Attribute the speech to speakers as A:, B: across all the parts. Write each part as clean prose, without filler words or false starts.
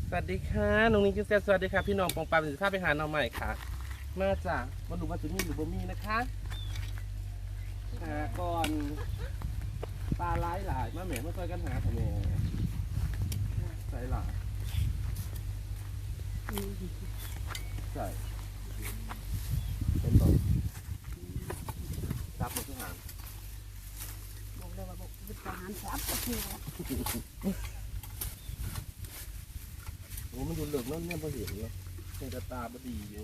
A: สวัสดีค่ะน้องนิ้งกินแซ่บสวัสดีค่ะพี่น้องปองปามสิภาพไปหาน้องใหม่ค่ะมาจากมาดูว่าจะมีหรือบ่มีนะคะก่อนปลาหลายมาแหม่มาช่วยกันหาค่ะแม่ใส่หลายใส่เป็นบ่จับหมดทุกหาง
B: บอกเลยว่าบอกวิทยาหารจับก็คือ
A: โอ้มันดูเหลืองนั่นเนี่ยพอเห็นเลยเป็นกระตาบดีอยู่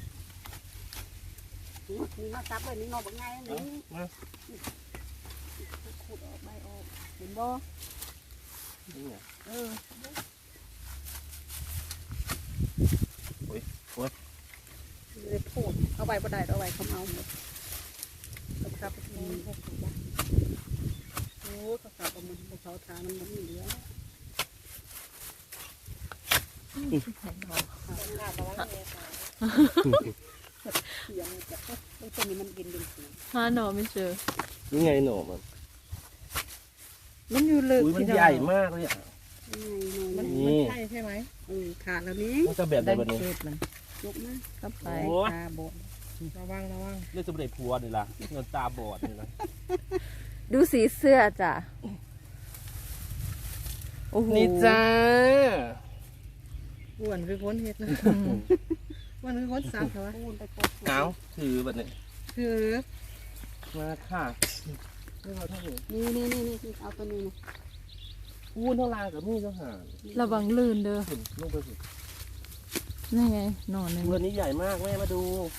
B: นี่มาจับเลยนี่นอนแบบไงนี่
A: มา
B: ขุดออกใบออกเห็นบ่
A: นี่ไง
B: เลยพูดเอาใบบ่ได้เอาใบเขาเอาหมดเอาครับเขาขุดบ้างโอ้เขาสับเอามันเขาทานมันไม่เหลือเสียงจะต้นนี้มันกินเป็นสี
C: หาหนอไม่เจอ
A: นี่ไงหน่อมัน
C: มันอยู่ลึก
A: อุ้ยมันใหญ่มากเลยอ่ะ
B: มัน
A: นี่
B: ใช่ใช่ไหมขาดแล้วนี้
A: มันจะแบบไหนแบบนี้
B: ยกมา
C: เข้าไป
B: ตาบอดระวัง
A: เรื่องจะไม่ได้พัวนี่ล่ะเงินตาบอดนี่ล่ะ
C: ดูสีเสื้อจ้ะโอ้โห
A: นี่จ้า
D: อ้วนคือคนเฮ็ดนะ
C: อืม
D: อ้วนคือคนสาวเหรอ
B: ปูนไปกด
A: เอาถือแบบนี้
D: คือ
A: มาค่ะนี่เราเท่าไหร่
B: นี่เอาตัวนี้นะ
A: พูนเท่าไรกับมีดเท่าหาง
C: ระวังลื่นเด้อ
A: ขึ้นลงไปสิ
C: นี่ไงหนอนหนึ่ง
A: เรือนี้ใหญ่มากแม่มาดู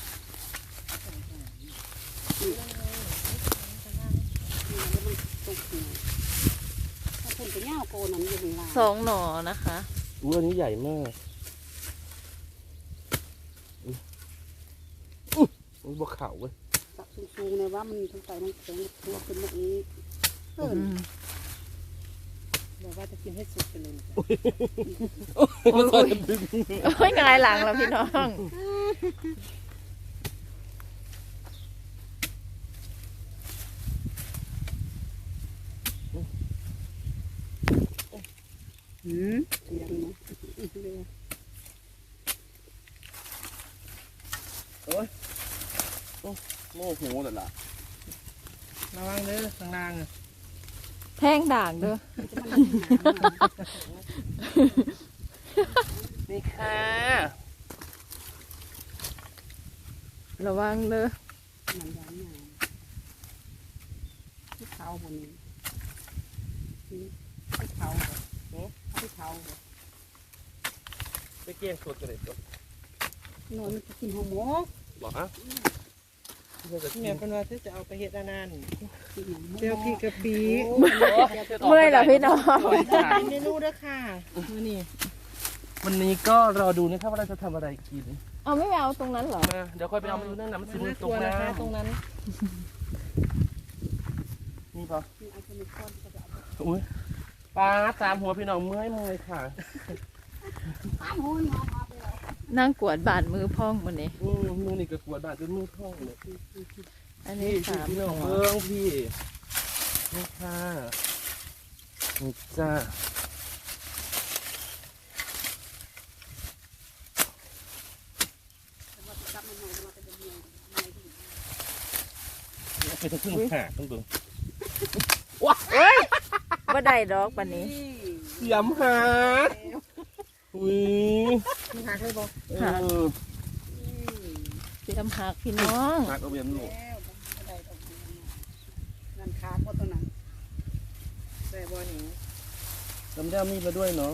B: ตกหัวถ้าคุณไปย่าโกนั่นอยู่ข้างล่าง
C: สองหนอนะคะ
A: เรือนี้ใหญ่มากอุ้ยบวกเขาเว้ย
B: ตักสูงๆเลยว่ามันต้องใส่น้ำแข็งตัวขึ้นมาอีก
C: อืม
D: แบบว่าจะกินให้สุดไปเลย
A: มาต่อยกันดึง
C: โอ้ยหงายหลังแล้วพี่น้อง
B: เสียงนะ
A: โม่โหแต่ละ
D: ระวังเด้อข้างล่างอ่ะ
C: แท่งด่างเด้อ
A: นี่ค่ะ
C: ระวังเด้อ
B: มันย้อนใหญ่ที่เขาบนนี้ที่เขาที่เขา
A: ไปเกี่ยงสดกันเลยตัวน
B: อนมันจะกินหัวหมก
A: บอกฮะเพื่อจะกิน
D: แม่เป็นว่าที่จะเอาไปเฮ็ดอันนั้น
B: กินหัวหมก
D: เจียวพริกกะปิ
C: เมื่อยเหรอพี่น้อง
D: เป็นเมนูเด้อค่ะมื้อนี้
A: วันนี้ก็รอดูนะครับว่าเราจะทำอะไรกิน
C: เอาไม่เอาตรงนั้นเหรอ
A: มาเดี๋ยวค่อยไปเอามาดูนั่นนะมัน
D: มั
A: สิ
D: น
A: มือ
D: น่าก
A: ต
D: ลั
A: ก
D: ว
A: น้
D: นะคะตรงนั้น
A: ำนี่ปะ
B: ไอ้คนนี้ก้อนก็จะเอา
A: อุ้ยปลาตามหัวพี่น้องเมื่อยค่ะ
B: ตามหัวงอมาไปเลย
C: นั่งกวดบาดมือพ่องวันนี้
A: มือนี่ก็ปวดบาดจนมือท้องเลย
C: อัน
A: นี่
C: นี้
A: พี่
C: สาม
A: พี่น้อง
C: หัว
A: เบิ้งพี่นี่ค่ะนี่จ้าไปทั้งครึ่งหาต้องเบิ้ง
C: เอ้ยว่าได้ดอกปันนี้
A: เสียมหาอุ้ย
D: มันหักเลยบ่
A: เออ
C: เตรียมหักพี่น้อง
A: หักเอาเบียนหนู
B: นั่นขาดก็ตัวนั้น
D: ใส่บ่หนิง
A: จำได้มีดมาด้วยเนาะ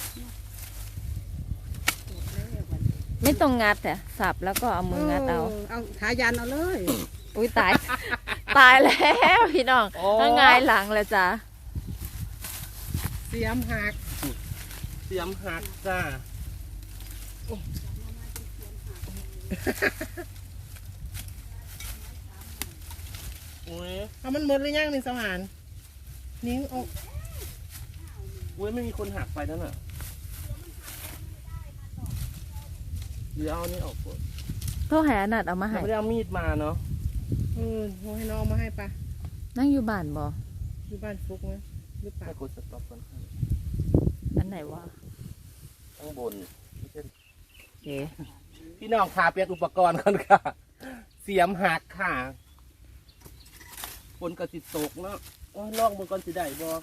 C: ไม่ต้องงัดแต่สับแล้วก็เอามืองัดเอา
B: เอาขายันเอาเลย
C: อุ้ยตาย ตายแล้วพี่น้องถ้าหงายหลังแล้วจ้ะ
D: เสียมหัก
A: เสียมหักจ้าอุ้ย
D: เอามันหมดหรือยังนี่สมานนิ้งออก
A: อุ้ยไม่มีคนหักไปนั่นน่ะเดี๋ยวเอาอันนี้ออกก่อน
C: โทรหานัดเอามาให้
A: ไม่ได้เอามีดมาเนาะ
D: โมให้น้องเอามาให้ปะ
C: นั่งอยู่บ้านบ่
D: อยู่บ้านฟุกนะหรือเปล่า
A: ให้กดสต็อปก่อน
C: อันไหนวะ
A: เอาบน
C: โอเค
A: พี่น้องขาเปลี่ยนอุปกรณ์กันค่ะ เสียมหักค่ะฝนกระสิตกเนาะโอ้ยลองมือก่อนสิได้บ่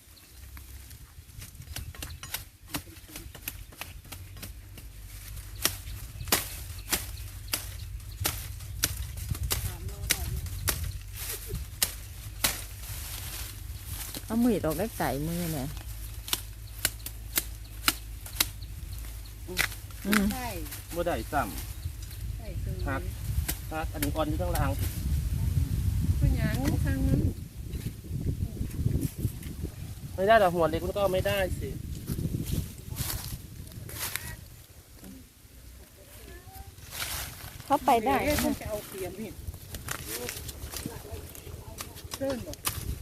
C: เอามือออกได้ไก่มือเนี่ยอืม
B: ใช่
A: บ่ได้ซ้
B: ใช่คือ
A: ำหักหักอันนี้อ่อนอยู่ข้างล่าง
B: เป็นหยังทางนั้น
A: ไม่ได้แต่หัวเล็กมันก็ไม่ได้สิ
C: เข้าไปได้
B: เอ๊ะฉันจะเอาเสียมนี่เดินบ่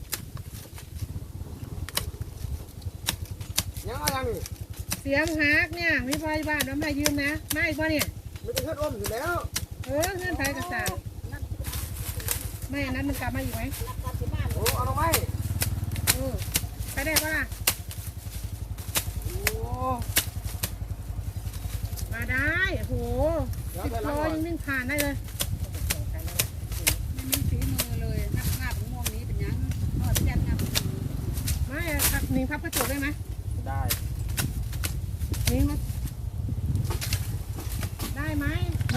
E: ยังเอายังนี่
B: เสียมหักเนี่ยมีพยาบาลเอามายืมนะมาอีกบ่เนี่ย
E: ไม่ได้เพื่อนอ้อมอยู่แล้ว
B: เงื่อนไขกระสาวไม่อันนั้นมันกลับมาอีกไหม
E: โอ้เอาทำไม
B: ไปได้ปะล่ะ
E: โอ้
B: มาได้โอ้โห
E: เดี๋ยว
B: สิบ
E: ไป
B: โล
E: ล้างก่อน
B: ยังวิ่งผ่านได้เลยไม่มีฝีมือเลยงับงับม่วงนี้เป็นยังอ๋อที่ยันงับไม่ครับหนิงพับกระจกได้ไหม
A: ได้
B: หนิงมาได้ไหม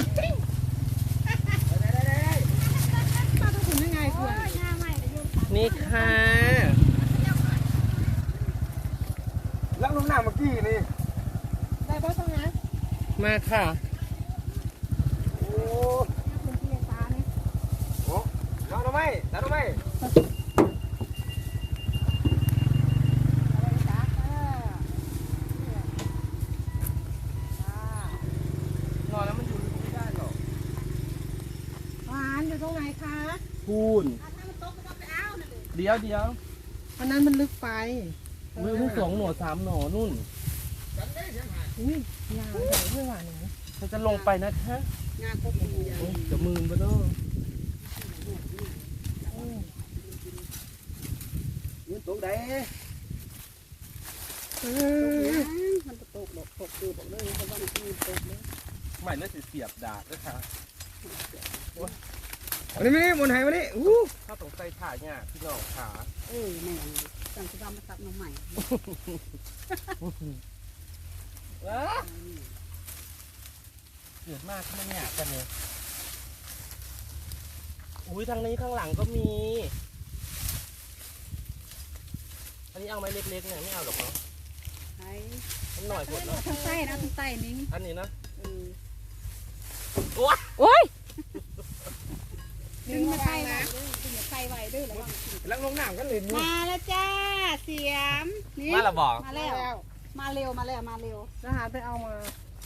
B: ป้าต้องคุณยังไงคุณ
A: นี่ค่ะ
E: ล้างลงหน้าเมื่อกี้นี่
B: ได้ป้าต้องนะ
A: มาค่ะ
E: โอ้
B: คุณพี่ตาเนี่ย
E: โหล้างทำไมล้างทำไม
A: นอนแล้วมันอยู่ไม่ได้หรอก
B: หวานอยู่ตรงไหนคะ
A: พูนเดี๋ยว
B: อันนั้นมันลึกไป
A: มือเพิ่งสองหน่อสามหน่อนุ่น
B: อุ้ยยาวใหญ่ด้วยหวานหนู
A: เราจะลงไปนะคะ
B: งาครบมือใหญ่
A: โอ้ยจะมืนไปเนาะ
E: ยืนตรงไหน
B: มันจะตกดอกตกดูบอกเลยเพราะว่ามันจะมีตกเลย
A: ใหม่น่าจะเสียบดาบด้วยค่ะ
E: วันนี้ไม่ได้บนไหวันนี้อู้
A: ถ้าสงสัยถ่ายเนี่ยพี่น้องขา
B: แม่สั่งจะทำมาตัดมาใหม่
A: เดือดมากขนาดเนี่ยกันเลยอุ้ยทางนี้ข้างหลังก็มี อันนี้เอาไม้เล็กๆเนี่ยไม่เอาหรอกเนาะ
B: ใช่
A: มันหน่อยหมดเนาะ
B: ทั้งไส้นะทั้งไส้นิ้ง
A: อันนี้นะ
C: โอ้ย
B: ดึงมาไส้นะดึงมาไส้ไว้ด้วยแล้ว
E: ล้างลงหน้ากันเลยนี่
B: มาแล้วจ้าเสียมนี่
A: มาละบอก
B: มาแล้ว มาเร็วมาแล้วมาเร็วทหารไปเอามา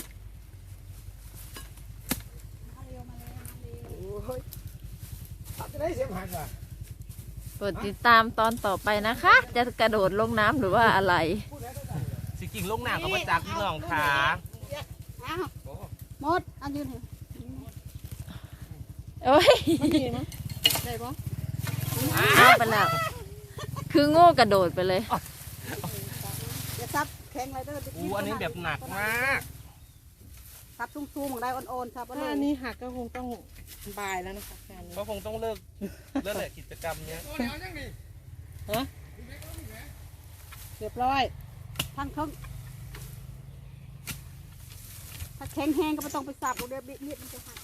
B: เร็วมาเร็วมาเร็ว
E: โอ้ยตัดจะได้เสียมหักว่ะ
C: โปรดติดตามตอนต่อไปนะคะ จะกระโดดลงน้ำหรือว่าอะไร
A: สิกิ่งลูกหนากับประจักษ์พี่น้องขา
B: อ้าวหมดอันยืนเถอะ
C: โอ้ย
B: ได้ปะ
C: เอาไปแล้ว คือโง่กระโดดไปเลย
B: อย่าซับแข็งอะไรก็
A: อู้อันนี้แบบหนักมาก
B: ซับสูงๆของได้อ่อนๆครับ
D: ถ้าอันนี้หักก็คงต้องบายแล้วนะคะงานนี้
A: ก็คงต้องเลิกแหละกิจกรรมเนี้ย
E: โอ้เดี๋ยวยังนี่
B: เรียบร้อยทั้งทั้งถ้าแข็งแห้งก็ไม่ต้องไปสับเดี๋ยวเม็ดมันจะหัก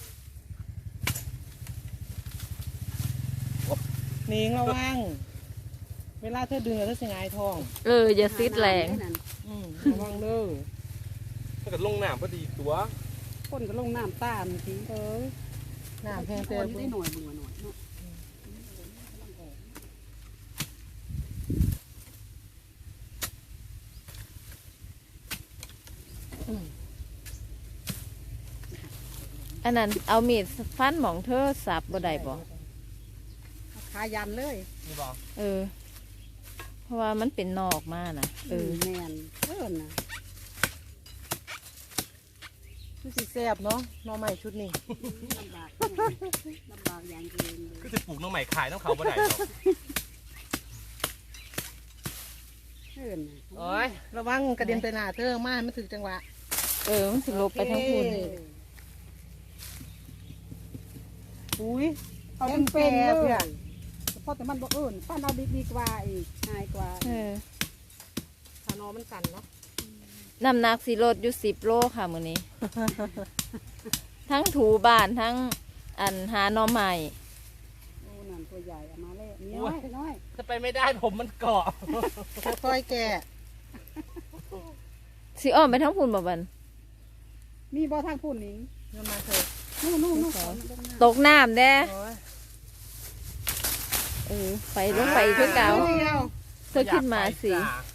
D: นิงระวัง เวลาเธอดึงแล้วเธอจะหงายท้อง
C: อย่าซิดแรง
D: ระวังเด้อ
A: ถ้าเกิดลงหนามก็ดีตัว
B: คนก็ลงน้ำตามที
D: น้ำแพง
B: ค
D: เต็
B: น
D: ม
B: ได้หน่อยบึงหน่อยเนาะ
C: อันนั้นเอามีดฟันหมองเธอสับบ่ได้บ่
B: ขายันเลย
A: นี่บอก
C: เพราะว่ามันเป็นนอกมานะ
B: แมนนะ
D: คือสีแซ่บเนาะหน่อใหม่ชุดนี้
B: ลำบากลำบากอย่างเกินเลย
A: ก็จะปลูกน้องใหม่ขายต้องเขาบ่ได้หรอก
B: เพื่อน
A: โอ้ย
D: ระวังกระเด็นไปหน้าเธอมาให้มันถึงจังหวะ
C: มันสิลบไปทั้งพุ่น
B: อุ้ยเอาเป็นเลยเพราะแต่มันบ่ป้านเอาดีกว่าอีกง่ายกว่า
D: ทานอมันสั่นเนาะ
C: น้ำหนักสิลดอยู่10 โลค่ะมื้อนี้ ทั้งถูบ้านทั้งอันหาหน่อใหม่
B: โอ้นั่นตัวใหญ่เอามาเลยน้อย
A: จะไปไม่ได้ผมมันเกาะ
D: ค่อยแก่
C: สิอ้อมไปทั้งพุ่นบ่บัน
B: มีบ่ทางพุ่นนิง
D: เงินมาเถอะ
B: นู่น
C: ตกน้ำเด้
D: โอ้ย
C: ไปลงไปอีกคือเก่า
D: เดียว
C: เธอขึ้นมาสิ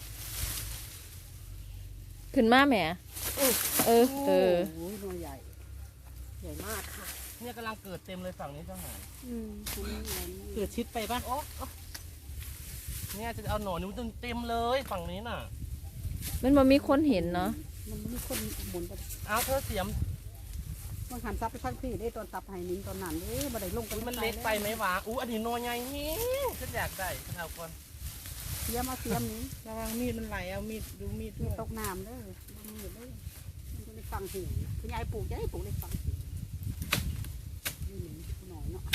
C: ขึ้นมาแหมเออ
B: โอ้ยตัวใหญ่
D: ใหญ่มากค่ะ
A: เนี่ยกำลังเกิดเต็มเลยฝั่งนี้เจ้าหาย
D: เกิดชิดไปปะ
A: โอ้เนี่ยจะเอาหนอนนิ้วเต็มเลยฝั่งนี้น่ะ
C: มันบ่มีคนเห็นเนาะ
B: มันมีคนหมุนไป
A: เอาเธอเสียม
B: มันหันซับไปทางพี่ได้ตอนตับไห้นิ้งตอนนั้นบ่ได้ลง
A: อุ๊ยมันเล็กไปไหมวะอันนี้หนอนใหญ่นี่ฉันอยากได้ฉันเอาก่อน
B: เสียมเอาเสียมนี้
D: ระวังมีดมันไหลเอามีดดูมีดด้วย
B: ตกน้ำเด้อมันมีเลยมันจะได้ฟังเสียงคุณยายปลูกจะได้ปลูกได้ฟังเสียงนี่หนึ่งหน่อยเนาะ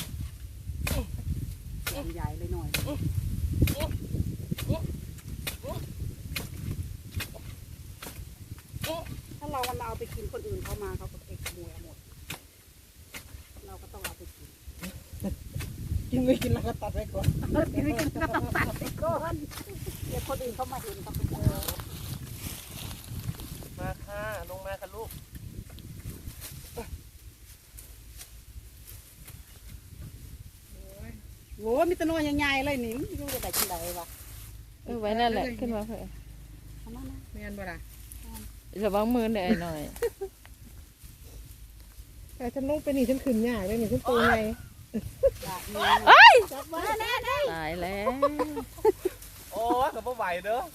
B: ใหญ่เลยหน่อยถ้าเราเอาไปกินคนอื่นเขามาเขาก็เอกขโมยเอาหมดเราก็ต้องเอาไปกิน
D: กินไม่กินแล้วก็ตัดไว้ก่อน
B: กินไม่กินก็ต้องตัดไปก่อนเดี๋ยวคนอื่นเขามาเห็นเขาก็จะ
A: มาค่ะลงมาค่ะลูก
B: โอ้มีแตะนอนใหญ่ๆเลยนี่มันอยู่ได้กินได้วะ
C: ไว้นั่นแหละขึ้นมาเถอะ
B: ทำมานะ
D: ไม่งั้นบ่ล่ะ
C: ระวังมือหน่อย
D: แต่ฉันลงไปนี่ฉันขึ้นยากเลยนี่ฉันตัวไง
B: อยากมีจับไว้แน่
C: ตายแล้ว
A: โอ้ยกับไหวเด้อ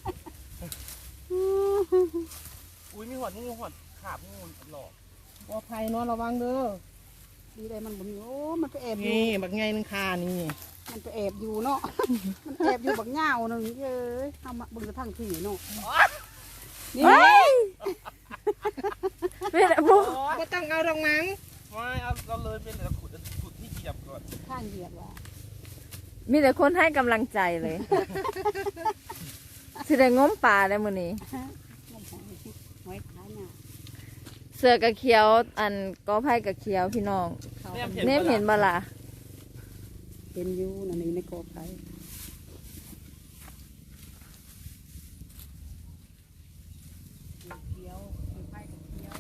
A: อุ้ยมีหอดขาบงูหลอก
D: ปลอดภัยเนาะระวังเด้อ
B: ดีเลยมันบ่มีโอ้มันไปแอบอยู่
D: นี่บักไงนึงคานี่
B: มันไปแอบอยู่เนาะ มันแอบอยู่บักเหง้าหนึ่งเอ้ยทำมาเบิ่งกระทั่งที่เนาะนี่
C: ไม่ได้ปุ๊
D: ก็ต้องเอาดอกมั้ง
A: ไม่เอาเลยเป็นแต่ขุดที่เหยียบก่อน
B: ข้างเหยียดว่ะ
C: มีแต่คนให้กำลังใจเลย สิได้ง้มปลาได้มื้อนี้
B: งมหอยท้ายน่ะ
C: เสือกะเขียวอันก็ไผ่กะเขียวพี่น้อง
B: เขา
C: เนมเห็นบ่ล่ะ
B: เห็นอยู่นั่นนี่ในกอไผ่เขียวไผ่กับเขียว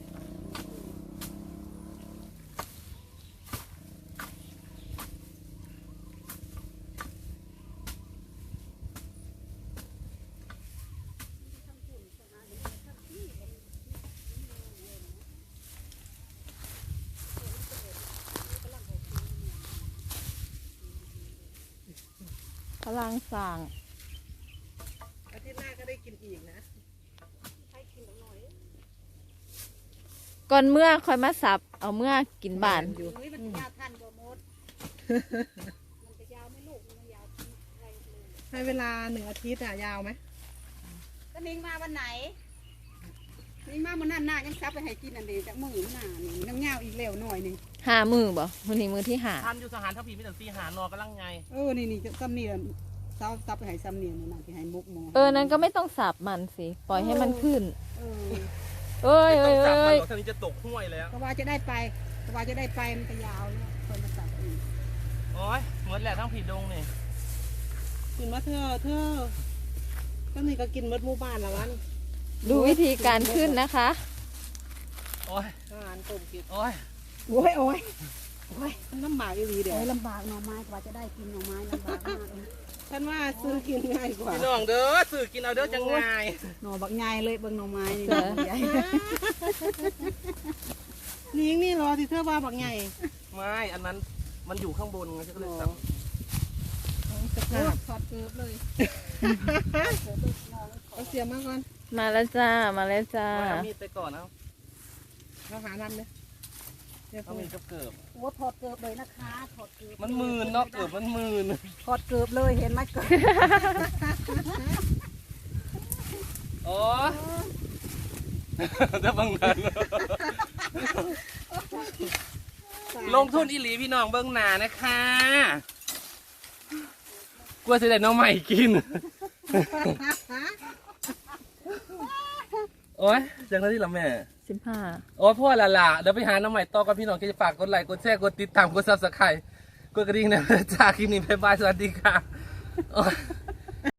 C: พลังสั่ง
D: อาทิตย์หน้าก็ได้กินอีกนะ
C: ก่อนเมื่อค่อยมาสับ เอาเมื่อกินบ้าน
D: อยู่
B: อุ้ยมันยาวทันกว่าหมด มันจะยาวไม่ลูกมันยาวอะไรเลย
D: ให้เวลา1 อาทิตย์อะยาวไหม
B: ก็นิ่งมาวันไหนนิ่งมาวันนั้นหน้ายังซับไปให้กินอันเดียวจากมือหน้านี่น้ำเงาอีกแล้วหน่อยหนึง
C: 5 มือบ่มื้อนี้มือที่ห้า
A: ทานอยู่สหารทัพพีไม่แต่ซีหานอกำลังไง
B: นี่จะซ้ำนี่ซับไปให้ซ้ำนี่นั่นที่ให้มุกหมอ
C: นั้นก็ไม่ต้องสับมันสิ ปล่อยให้มันขึ้น
B: เออ
C: เอ้ย
A: ไม่
C: เอ้
A: ต้
C: ย
A: องจับมันหรอกท่านี้จะตกห้วยแล้ว
B: ก็ว่าจะได้ไปมันก็ยาวแล้วคนมาซับอีก
A: โอ้ยเหมือนแหละทั้งผีดงนี่
D: กินมาเธอก็นี่ก็กินมดหมู่บ้านละวัน
C: ดูวิธีการขึ้นนะคะ
A: โอ้ย
D: อาหารต้มกิน
A: โอ้ย
D: โอ้ยมันลำบากอีหลีเดี๋ยว
B: ลำบากหน่อไม้กว่าจะได้กินหน่อไม้ลำบากมากเลย
D: ฉันว่าซื้อกินง่ายกว่า
A: พี่น้องเด้อสื่อกินเอาเด้อจังไง
B: หน่อบักใหญ่เลยเบิ่งหน่อไม้นี่
C: เออ
B: ใหญ่
D: นี่รอที่เธอว่าบักไง
A: ไม่อันนั้นมันอยู่ข้างบนไงฉันก็เลยสั่ง
D: จะขาด
B: ถอดเกลือเลย
D: เอาเสียมาก่อน
C: มาแล้วจ้า มาแล้วจ้า
A: เอามีดไปก่อนเอา
D: เราหาทำเนี่ยเดี๋ยว
A: เอามีดกับเกิบ
B: โอ้ถอดเกลือเลยนะคะถอดเกลือ
A: มันมืนเนาะเกิบมันมืน
B: ถอดเกลือเลยเห็นไหมเกลือ
A: โอ้จะเบิ่งนั้นลงทุนอีหลีพี่น้องเบิ่งหน้านะคะกลัวสิได้น้องใหม่กิน โอ้ยจังนั้นที่ละแม่
C: 15
A: โอ้ยพ่อละล่ะเดี๋ยวไปหาน้องใหม่ต่อกับพี่น้องก็จะฝากกดไลค์กดแชร์กดติดตามกดซับสไครต์กดกระดิ่งนะจ้าคลิปนี้บ๊ายบายสวัสดีค่ะโอ้ย